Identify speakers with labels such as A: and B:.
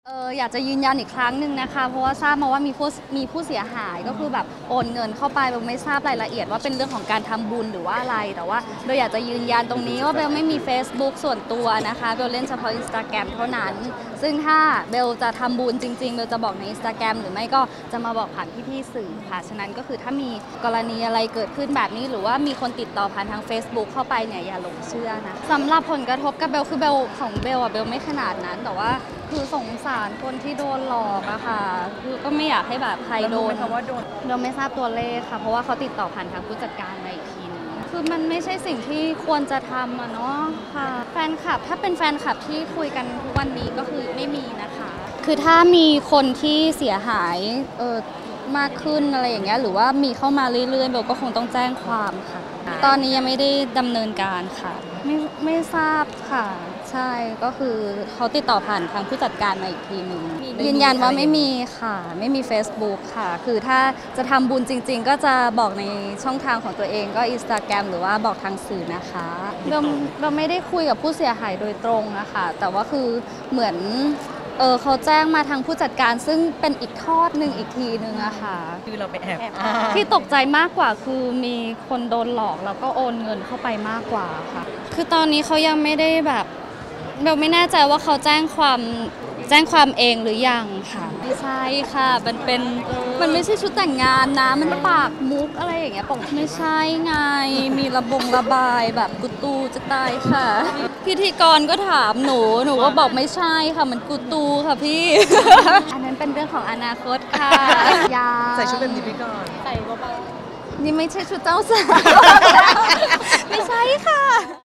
A: อยากจะยืนยันอีกครั้งหนึ่งนะคะเพราะว่าทราบมาว่ามีผู้เสียหายก็คือแบบโอนเงินเข้าไปเบลไม่ทราบรายละเอียดว่าเป็นเรื่องของการทำบุญหรือว่าอะไรแต่ว่าเบลอยากจะยืนยันตรงนี้ว่าเบลไม่มี Facebook ส่วนตัวนะคะเบลเล่นเฉพาะ Instagram เท่านั้นซึ่งถ้าเบลจะทำบุญจริงๆเบลจะบอกใน Instagram หรือไม่ก็จะมาบอกผ่านพี่ๆสื่อค่ะฉะนั้นก็คือถ้ามีกรณีอะไรเกิดขึ้นแบบนี้หรือว่ามีคนติดต่อผ่านทาง Facebook เข้าไปเนี่ยอย่าหลงเชื่อนะสำหรับผลกระทบกับเบลคือเบลของเบลอะเบลไม่ขนาดนั้นแต่ว่าคือสงสารคนที่โดนหลอกอะค่ะคือก็ไม่อยากให้แบบใครโดนเราไม่ทราบตัวเลขค่ะเพราะว่าเขาติดต่อผ่านทางผู้จัดการมาอีกทีนึงคือมันไม่ใช่สิ่งที่ควรจะทำอะเนาะค่ะแฟนคลับถ้าเป็นแฟนคลับที่คุยกันทุกวันนี้ก็คือไม่มีนะคะคือถ้ามีคนที่เสียหายมากขึ้นอะไรอย่างเงี้ยหรือว่ามีเข้ามาเรื่อยๆเบลก็คงต้องแจ้งความค่ะตอนนี้ยังไม่ได้ดำเนินการค่ะไม่ทราบค่ะใช่ก็คือเขาติดต่อผ่านทางผู้จัดการมาอีกทีหนึ่งยืนยันว่าไม่มีค่ะไม่มี Facebook ค่ะคือถ้าจะทำบุญจริงๆก็จะบอกในช่องทางของตัวเองก็ Instagram หรือว่าบอกทางสื่อนะคะเราไม่ได้คุยกับผู้เสียหายโดยตรงนะคะแต่ว่าคือเหมือนเขาแจ้งมาทางผู้จัดการซึ่งเป็นอีกทอดหนึ่งอีกทีนึงอะค่ะ
B: คือเราไปแอบ
A: ที่ตกใจมากกว่าคือมีคนโดนหลอกแล้วก็โอนเงินเข้าไปมากกว่าค่ะคือตอนนี้เขายังไม่ได้แบบเราไม่แน่ใจว่าเขาแจ้งความเองหรือยังค่ะไม่ใช่ค่ะมันไม่ใช่ชุดแต่งงานนะมันปากมุกอะไรอย่างเงี้ยบอกไม่ใช่ไงมีระบายแบบกุตูจะตายค่ะพิธีกรก็ถามหนูก็บอกไม่ใช่ค่ะมันกุตูค่ะพี่ อันนั้นเป็นเรื่องของอนาคตค่ะยา
B: ใส่ชุดแบบนี้ไปก่อน
A: ใส่เบาๆนี่ไม่ใช่ชุดเจ้าสาว ไม่ใช่ค่ะ